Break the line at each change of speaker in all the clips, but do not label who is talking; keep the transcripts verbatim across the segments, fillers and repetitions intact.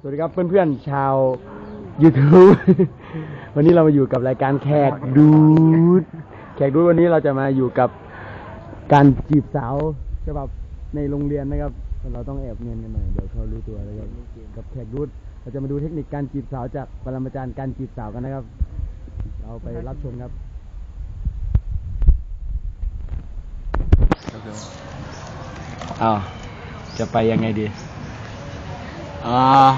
สวัสดีครับเพื่อนๆชาว YouTube วันนี้เรามาอยู่กับรายการแขกดูดแขกดูดวันนี้เราจะมาอยู่กับการจีบสาวฉบับในโรงเรียนนะครับเราต้องแอบเนียนกันหน่อยเดี๋ยวเขารู้ตัวแล้วครับกับแขกดูดเราจะมาดูเทคนิคการจีบสาวจากปรมาจารย์การจีบสาวกันนะครับเราไปรับชมครับอ้าวจะไปยังไงดีอ่า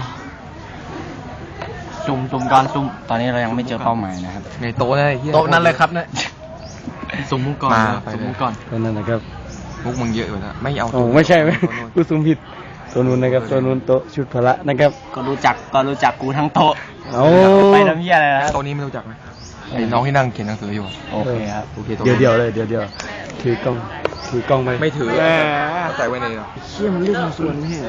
ซุ่มซุ่มก่อนซุ่มตอนนี้เรายังไม่เจอเป้าหมายนะครับ
ในโต๊ะนั่นเลย
โต๊ะนั่นเลยครับเนี่ย
ซุ่มมุกก่อนซุ่มมุกก่อน
ก็นั่นนะครับ
มุกมึงเยอะอยู่แล้วไม่เอา
โอ้ไม่ใช่ไหมกูซุ่มผิดตัวนู้นนะครับตัวนู้นโต๊ะชุดพละนะครับ
ก็รู้จักก็รู้จักกูทั้งโต๊ะ
โอ้
ไปทำเหี้ยอะไรนะ
โต๊ะนี้ไม่รู้จักไหมไอ้น้องที่นั่งเขียนหนังสืออยู่
โอเคครับ
โอเค
เดี๋ยวเดียวเลยเดี๋ยวเดียวถือกล้องถือกล้องไป
ไม่ถือใส่ไว้ใน
เชี่ยมันเรื่องส่วนนี่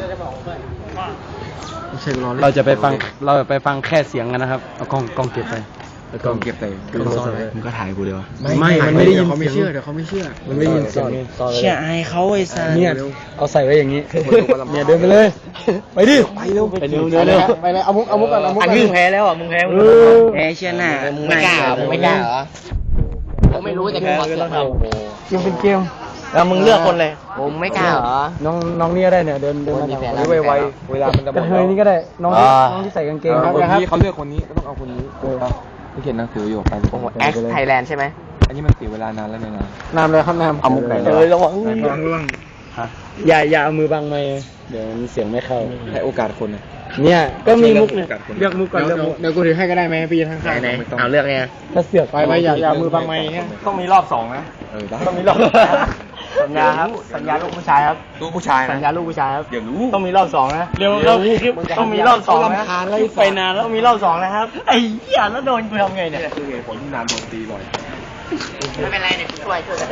เราจะไปฟังเราจะไปฟังแค่เสียงกันนะครับเอากล้องกล้องเก็บไป
แล้วก็เก็บแต่กล้องซ่อนไว้
มึงก็ถ่ายกูเดียว
ไม่มันไม่ได้ยิน
เขาไม่เชื่อเดี๋ยวเขาไม่เชื่อมันไม่ยินเสียง
เชี่ยไอ้เขาไอ้สัส
เนี่ยเอาใส่ไว้อย่างนี้เนี่ยเดินไปเลยไปดิไปเร็วไปเร็วเร็วเร็วไปเลยเอามุกเอามุกก่อนเอามุก
อันนี้มึงแพ้แล้วอ่ะมึงแพ้มึงแพ้เชี่ยหน้ามึงไม่กล้ามึงไม่กล้าเหรอผมไม่รู้แต่กูก็ต้องทำ
เกมเป็นเกม
แล้วมึงเลือกคนเลยผมไม่กล้าเหรอ
น้องน้องนี่ก็ได้เนี่ยเดินเดินมาไวไวเวลามันจะหมดกระเทยนี่ก็ได้น้องน้องที่ใส่กางเกง
คนนี้เขาเลือกคนนี้ก็ต้องเอาคนนี้ที่เขียนหนังสืออยู่ไป
โอ้โหแอคไทยแลนด์ใช่ไหม
อันนี้มันเสียเวลานานแล้วเนี่ยนะ
นามเลยครับนาม
เอามุกไหน
เลยระวัง
ระวังระวัง
อย่าอย่าเอามือบังไมค์เดี๋ยวเสียงไม่เข้า
ให้โอกาสคน
เนี่ยก็มีมุกเนี่ยเลือกมุกก่อนเลือกมุก
เดี๋ยวกูถือให้ก็ได้ไหมพี่ทั้งข้าง
ไหนเอาเลือกไง
ถ้าเสือกไปไปอย่าอย่ามือบังไมค์
ต้องมีรอบสองนะ
เออ
ต้องมีรอบสัญญาครับสัญญาลูกผู้ชายครับ
ลูกผู้ชาย
สัญญาลูกผู้ชายครับ
เดี๋ยวรู้
ต้องมีรอบสองนะเร็วเร็วต้องมีรอบสองนะไปนานแล้วต้องมีรอบสองนะครับไอ้เหี้ยแล้วโดนกูทำไงเนี่ย
คือเหตุผลที่นานโดนตีบ่อย
ไม่เป็นไรเนี่ยช่วยช่วย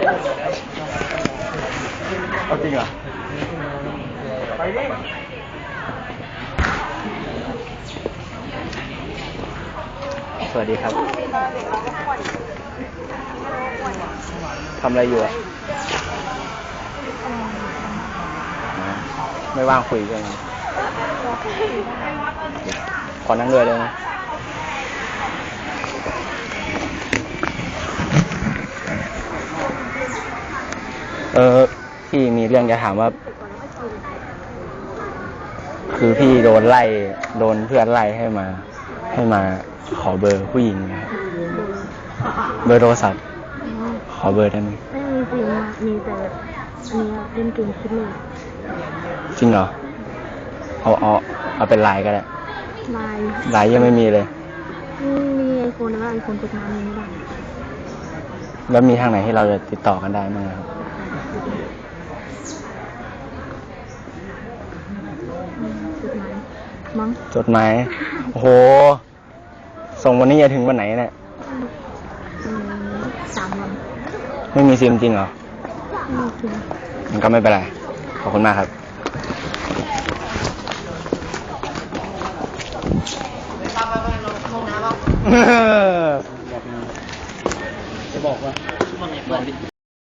เอาจริงเหรอ
ไปดิสวัสดีครับทำอะไรอยู่อ่ะไม่ว่างคุยกันขอนั่งด้วยเลยนะเออพี่มีเรื่องจะถามว่าคือพี่โดนไล่โดนเพื่อนไล่ให้มาให้มาขอเบอร์ผู้หญิงนะครับเบอร์โทรศัพท์ขอเบอร์ได้ไหม
ไม่มีจริงมีแต่อันนี้เล่นเกมคิดเลย
จริงเหรอเอาเอาเอาเป็นไลน์ก็ได้
ไลน์
ไลน์ยังไม่มีเลย
มีไอโฟนแต่ว่าไอโฟนกดมาไม่ได้
แล้วมีทางไหนที่เราจะติดต่อกันได้บ้างครับ
จดหมายมั้ง
จดหมายโอ้โหส่งวันนี้จะถึงวันไหนเนี่ย
สามวัน
ไม่มีซิมจริงเหรอ
ไม่จริง
มันก็ไม่เป็นไรขอบคุณมากครับ
จะบอกว่า